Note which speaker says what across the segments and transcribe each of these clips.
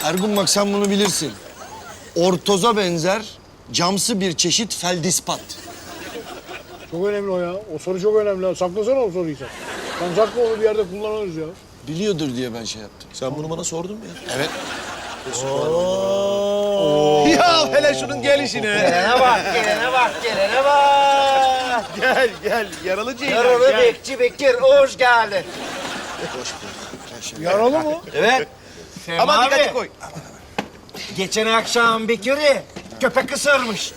Speaker 1: Ergun bak sen bunu bilirsin. Ortoza benzer camsı bir çeşit feldispat.
Speaker 2: Çok önemli o ya. O soru çok önemli. Saklasana o soruyu sen. Sen sakla onu bir yerde kullanırız ya.
Speaker 1: Biliyordur diye ben şey yaptım.
Speaker 3: Sen bunu bana sordun mu ya?
Speaker 1: Evet.
Speaker 3: Ya hele şunun gelişine.
Speaker 4: Gelene bak, gelene bak, gelene bak.
Speaker 3: Gel gel yaralı Ceylan
Speaker 4: Yaralı
Speaker 3: gel.
Speaker 4: Bekçi Bekir, hoş geldin.
Speaker 2: Yaralı mı?
Speaker 4: Evet.
Speaker 3: Aman
Speaker 4: Abi,
Speaker 3: dikkatli koy.
Speaker 4: geçen akşam Bekir'i köpek ısırmış.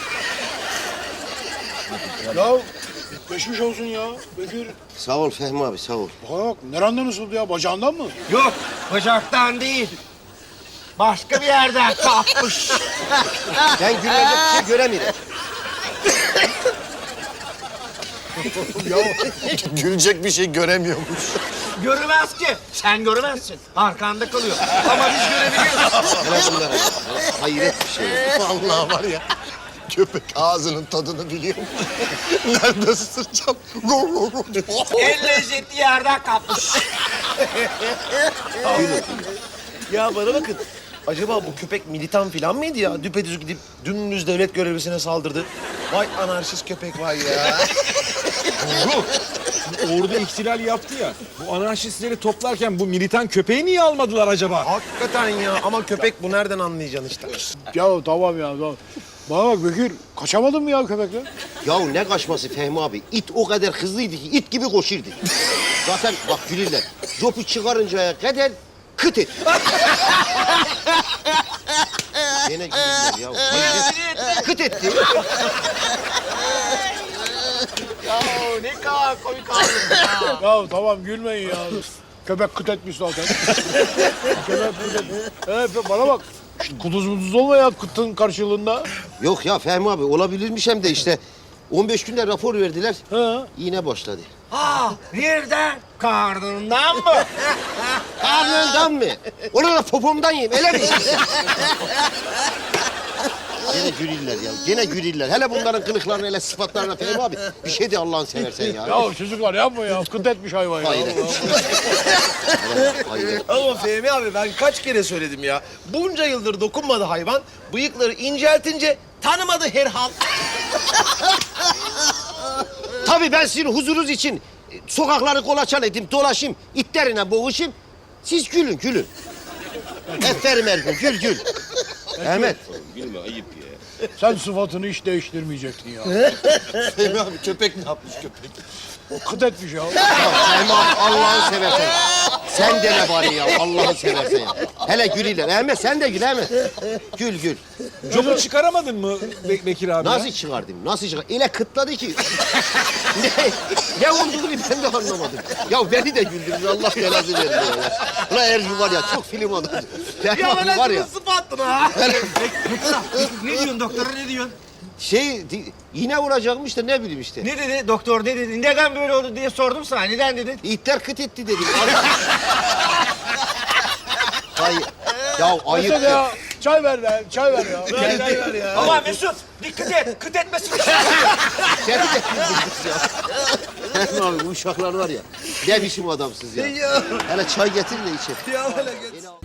Speaker 2: Ya geçmiş olsun ya. Bekir.
Speaker 5: Sağ ol Fehmi abi, sağ ol.
Speaker 2: Bana bak nereden ısırdı ya? Bacağından mı?
Speaker 4: Yok, bacaktan değil. Başka bir yerden kapmış.
Speaker 5: Ben güvenlik bir şey göremiyorum.
Speaker 1: Gülecek bir şey göremiyormuş.
Speaker 4: Görmez ki. Sen görmezsin. Arkanda kalıyor. Ama biz görebiliyoruz.
Speaker 5: Hele bunlara ya. Hayret bir şey.
Speaker 1: Vallahi var ya. Köpek ağzının tadını biliyor. Nerede ısıracağım?
Speaker 4: En lezzetli yerden kapmış.
Speaker 3: Ya bana bakın. Acaba bu köpek militan falan mıydı ya? Düpedüz gidip dümdüz devlet görevlisine saldırdı. Vay anarşist köpek vay ya.
Speaker 6: Ordu ihtilal yaptı ya. Bu anarşistleri toplarken bu militan köpeği niye almadılar acaba?
Speaker 3: Hakikaten ya ama köpek bu nereden anlayacaksın işte.
Speaker 2: Ya tamam ya. Tamam. Bana bak Bekir. Kaçamadın mı ya köpekle?
Speaker 5: Ya ne kaçması Fehmi abi? İt o kadar hızlıydı ki it gibi koşurdu. Zaten bak gülürler. Copu çıkarıncaya kadar kıt et. Gene gülürler ya. Hayret. Kıt etti.
Speaker 4: Ya ne kadar komik ağzın ya.
Speaker 2: Ya tamam gülmeyin ya. Köpek kıt etmiş zaten. Köpek kıt etmiş. Evet bana bak. İşte kuduz muduz olma ya kıtın karşılığında.
Speaker 5: Yok ya Fehmi abi olabilirmiş hem de işte 15 günde rapor verdiler.
Speaker 2: Ha.
Speaker 5: Yine başladı.
Speaker 4: Ah, nereden? Karnından mı?
Speaker 5: Karnından mı? Onu da popomdan yiyeyim. Öyle mi? Gene güriller ya. Gene güriller. Hele bunların kılıklarına, hele sıfatlarına Fehmi abi. Bir şey de Allah'ını seversen ya.
Speaker 2: Ya çocuklar yapma ya. Kıt etmiş hayvan ya.
Speaker 5: Hayret. Hayret.
Speaker 3: Ama Fehmi abi ben kaç kere söyledim ya. Bunca yıldır dokunmadı hayvan. Bıyıkları inceltince tanımadı herhal.
Speaker 5: Tabii ben sizin huzurunuz için sokakları kolaçan edeyim, dolaşayım, itlerine boğuşayım. Siz gülün, gülün. Aferin Ergun, gül, gül. Ahmet.
Speaker 2: Sen sıfatını hiç değiştirmeyecektin ya.
Speaker 1: Fehmi abi köpek ne yapmış köpek?
Speaker 2: Kıt etmiş ya.
Speaker 5: Fehmi abi Allah'ını seversen. Sen de ne bari ya, Allah'ını seversen ya. Hele gülüyle. Ahmet sen de gül Ahmet. Gül, gül.
Speaker 6: Copu çıkaramadın mı Bekir abi?
Speaker 5: Nasıl çıkardım, nasıl çıkardım? Öyle kıtladı ki. ne olduğunu ben de anlamadım. Ya beni de güldürdü, Allah belasını verdi ya. Ulan Ergun var ya, çok film adamı. Fehmi abi var ya.
Speaker 3: Sıfattın ha.
Speaker 4: Ne diyorsun doktora, ne diyorsun?
Speaker 5: Yine vuracakmış da ne bileyim işte.
Speaker 4: Ne dedi doktor, ne dedi? Neden böyle oldu diye sordum sana. Neden dedin?
Speaker 5: İtler kıt etti dedim. Hayır. Ya ayıp
Speaker 2: Mesut
Speaker 5: ya.
Speaker 2: ya. Çay ver lan. Çay ver ya.
Speaker 3: Ver ya.
Speaker 4: Ama Mesut dikkat et. Kıt etmesin.
Speaker 5: Seni de güldürdünüz ya. Fehmi abi bu uşaklar var ya. Ne biçim adamsınız ya. Hele çay getirin de içelim.
Speaker 3: Ya hele gel.